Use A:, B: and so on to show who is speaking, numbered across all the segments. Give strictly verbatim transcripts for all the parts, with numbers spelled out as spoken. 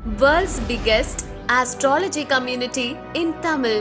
A: World's biggest astrology community in Tamil.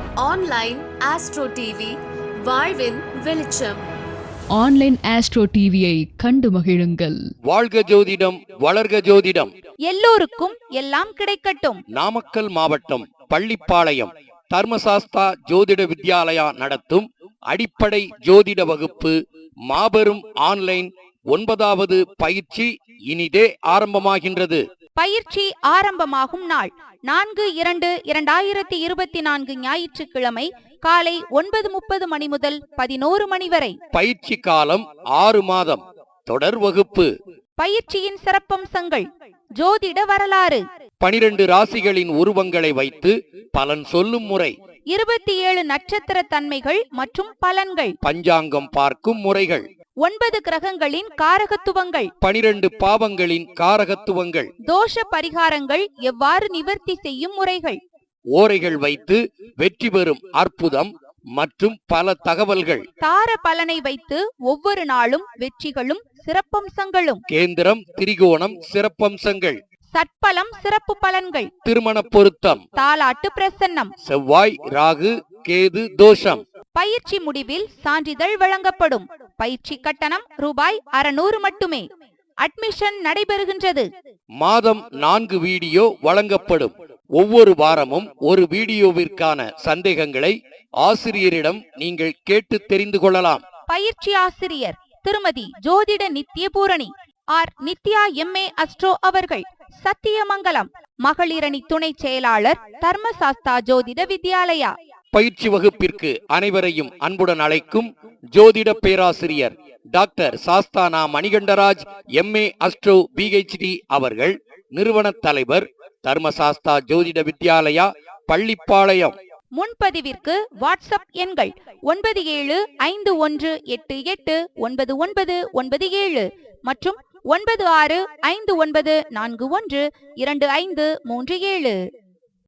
A: Online Astro T V, வாழ்வின் வெளிச்சம்.
B: Online astro டிவியை கண்டு மகிழுங்கள்.
C: வாழ்க ஜோதிடம், வளர்க ஜோதிடம்.
D: எல்லோருக்கும் எல்லாம் கிடைக்கட்டும்.
C: நாமக்கல் மாவட்டம் பள்ளிப்பாளையம் தர்மசாஸ்தா ஜோதிட வித்யாலயா நடத்தும் அடிப்படை ஜோதிட வகுப்பு மாபெரும் ஆன்லைன் ஒன்பதாவது பயிற்சி இனிதே ஆரம்பமாகின்றது.
D: பயிற்சி ஆரம்பமாகும் நாள் நான்கு இரண்டு இரண்டாயிரத்தி இருபத்தி நான்கு ஞாயிற்றுக்கிழமை காலை ஒன்பது முப்பது மணி முதல் பதினோரு மணி வரை.
C: பயிற்சி காலம் ஆறு மாதம். தொடர் வகுப்பு.
D: பயிற்சியின் சிறப்பம்சங்கள்: ஜோதிட வரலாறு,
C: பனிரெண்டு ராசிகளின் உருவங்களை வைத்து பலன் சொல்லும் முறை,
D: இருபத்தி ஏழு நட்சத்திர தன்மைகள் மற்றும் பலன்கள்,
C: பஞ்சாங்கம் பார்க்கும் முறைகள்,
D: ஒன்பது கிரகங்களின் காரகத்துவங்கள்,
C: பனிரெண்டு பாவங்களின் காரகத்துவங்கள்,
D: தோஷ பரிகாரங்கள் எவ்வாறு நிவர்த்தி செய்யும் முறைகள்,
C: ஓரைகள் வைத்து வெற்றி பெறும் அற்புதம் மற்றும் பல தகவல்கள்,
D: தார பலனை வைத்து ஒவ்வொரு நாளும் வெற்றிகளும் சிறப்பம்சங்களும்,
C: கேந்திரம் திரிகோணம் சிறப்பம்சங்கள்,
D: சட்பலம் சிறப்பு பலன்கள்,
C: திருமண பொருத்தம்,
D: தாலாட்டு பிரசன்னம்,
C: செவ்வாய் ராகு கேது தோஷம்.
D: பயிற்சி முடிவில் சான்றிதழ் வழங்கப்படும். பயிற்சி கட்டணம் ரூபாய் அறுநூறு மட்டுமே. அட்மிஷன் நடைபெறுகின்றது.
C: மாதம் நான்கு வீடியோ வழங்கப்படும். ஒவ்வொரு வாரமும் ஒரு வீடியோவிற்கான சந்தேகங்களை ஆசிரியரிடம் நீங்கள் கேட்டு தெரிந்து கொள்ளலாம்.
D: பயிற்சி ஆசிரியர் திருமதி ஜோதிட Nithya Poorani R Nithya MA astro அவர்கள், சத்தியமங்கலம். மகளிரணி துணை செயலாளர், தர்மசாஸ்தா ஜோதிட வித்யாலயா.
C: பயிற்சி வகுப்பிற்கு அனைவரையும் அன்புடன் அழைக்கும் ஜோதிட பேராசிரியர் doctor Sasthana Manikandaraj MA astro PhD அவர்கள், நிறுவன தலைவர், தர்மசாஸ்தா ஜோதிட வித்யாலயா, பள்ளிப்பாளையம்.
D: முன்பதிவிற்கு வாட்ஸ்அப் எண்கள் ஒன்பது ஏழு ஐந்து ஒன்று எட்டு எட்டு ஒன்பது ஒன்பது ஒன்பது ஏழு மற்றும் ஒன்பது ஆறு ஐந்து ஒன்பது நான்கு ஒன்று இரண்டு ஐந்து மூன்று ஏழு.